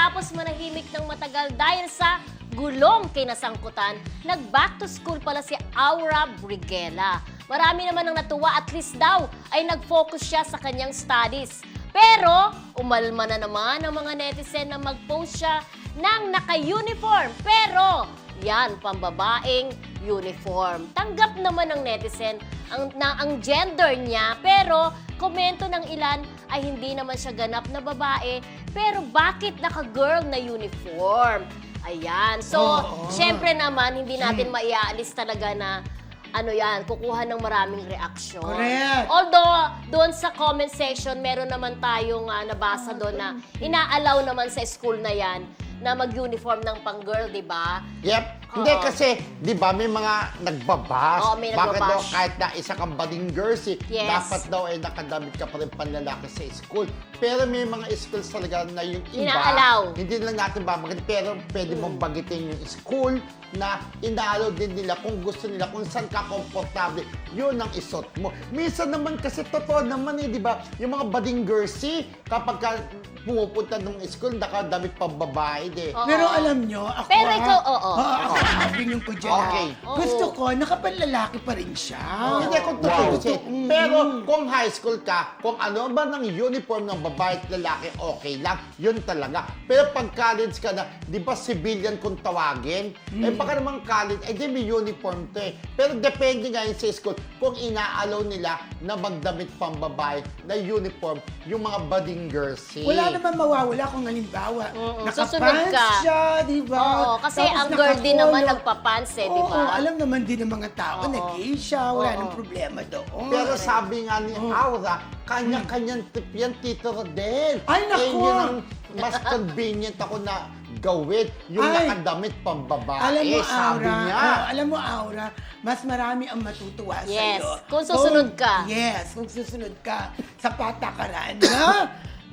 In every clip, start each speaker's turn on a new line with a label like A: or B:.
A: Matapos manahimik ng matagal dahil sa gulong kinasangkutan, nag-back to school pala si Aura Briguela. Marami naman ang natuwa, at least daw ay nag-focus siya sa kanyang studies. Pero umalma na naman ang mga netizen na mag-post siya ng naka-uniform. Pero yan, pambabaeng uniform. Tanggap naman ng netizen ang gender niya, pero komento ng ilan ay hindi naman siya ganap na babae, pero bakit naka-girl na uniform? Ayan. So, syempre naman, hindi natin maiaalis talaga na ano yan, kukuha ng maraming reaksyon.
B: Correct.
A: Although, doon sa comment section, meron naman tayong nabasa doon na inaalaw naman sa school na yan na mag-uniform ng pang-girl, di ba?
C: Yep. Hindi kasi, di ba, may mga nagbabas.
A: Oo, may
C: Bakit daw
A: nagbabash.
C: kahit na isa kang bading jersey,
A: Yes.
C: dapat daw ay nakadamit ka pa rin panlalaki sa school. Pero may mga schools talaga na yung iba,
A: Inaalaw.
C: hindi lang natin babagin, pero pwede mong bagitin yung school na inaalaw din nila kung gusto nila, kung saan ka komportable, yun ang isot mo. Minsan naman kasi totoo naman di ba, yung mga bading jersey, kapag ka pumupunta ng school, nakadamit pang babae,
A: Oo.
B: Pero alam nyo, ako
A: Pero ikaw, oo.
B: ako ang opinion ko dyan.
C: Okay.
B: Gusto ko, nakapanlalaki pa rin siya.
C: Hindi, kung totoo kasi. Pero kung high school ka, kung ano ba ng uniform ng babae at lalaki, okay lang. Yun talaga. Pero pag college ka na, di ba civilian kung tawagin? Eh baka naman college, eh di may uniform to eh. Pero depende nga yun sa school kung inaalaw nila na magdamit pang babae na uniform yung mga bading jersey.
B: Wala naman mawawala kung halimbawa,
A: Susunod
B: nakapants
A: ka.
B: siya, di ba?
A: Oo, kasi
B: Tapos
A: ang girl din naman
B: nakapolo.
A: nagpapants di
B: Oo,
A: ba?
B: alam naman din ng mga tao na gay siya, wala
A: Oo.
B: nang problema doon.
C: Pero sabi nga ni Aura, kanya-kanyang tip yan, Tito Rodel.
B: Ay, naku!
C: Eh, yun ang mas convenient ako na gawin, yung
B: Ay!
C: nakadamit pang babae,
B: Alam mo,
C: sabi
B: Aura,
C: niya.
B: alam mo, Aura, mas marami ang matutuwa
A: Yes,
B: sa'yo.
A: kung susunod ka.
B: Yes, kung susunod ka sa patakaran na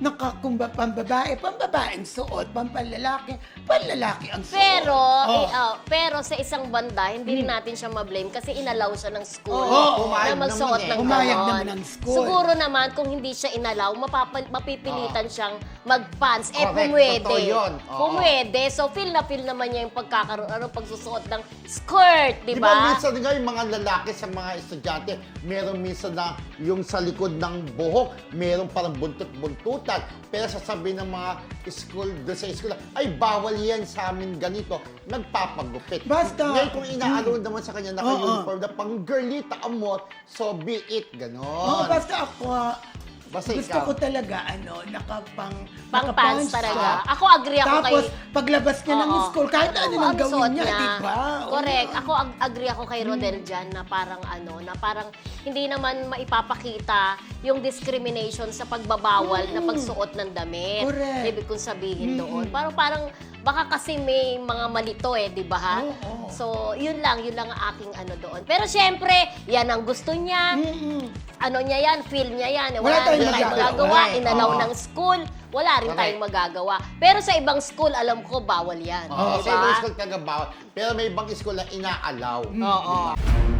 B: pambabaeng suot, panlalaki ang suot.
A: Pero,
B: Oh.
A: pero sa isang banda, hindi rin natin siya ma-blame kasi inalaw siya ng school
B: Oo,
C: pumayag
A: na magsuot
C: naman eh.
A: ng
B: Pumayag
A: ganon.
B: naman ng school.
A: Siguro naman, kung hindi siya inalaw, mapipilitan siyang mag-pants. Eh,
C: Correct,
A: pumwede.
C: totoo yun. Oo.
A: Pumwede. So, feel naman niya yung pagsusuot ng skirt, di
C: Di ba
A: ba?
C: minsan nga yung mga lalaki sa mga estudyante, meron minsan na yung sa likod ng buhok, meron parang buntot-buntutan. Pero sasabihin ng mga school, doon sa school, ay bawal yan sa amin ganito, nagpapagupit.
B: Basta-
C: Ngayon kung inaalaw naman sa kanya, naka-uniform na pang girlita amot, so be it, ganon.
B: Oo, basta ako,
C: Basta
B: gusto
C: ikaw.
B: ko talaga,
A: Pang-pants
B: nakapants
A: talaga.
B: siya.
A: Ako agree ako
B: Tapos,
A: kay...
B: paglabas niya ng
A: Oo.
B: school, kahit ano nang
A: ang
B: gawin
A: suot
B: niya, di ba?
A: Correct.
B: Oo.
A: Ako agree ako kay Rodel dyan na parang hindi naman maipapakita yung discrimination sa pagbabawal na pagsuot ng damit.
B: Correct.
A: Ibig kong sabihin doon. Parang baka kasi may mga malito di ba ha?
B: Oo.
A: So, yun lang ang aking doon. Pero syempre, yan ang gusto niya. Ano niya yan, feel niya yan.
B: Wala
A: Wala rin
B: tayong
A: tayong
B: magagawa.
A: magagawa. Inalaw
C: Oo.
A: ng school. Wala rin
C: Correct.
A: tayong magagawa. Pero sa ibang school, alam ko, bawal yan.
C: Oo,
A: Di
C: sa
A: ba?
C: ibang school taga bawal. Pero may ibang school na inaalaw.
A: Oo.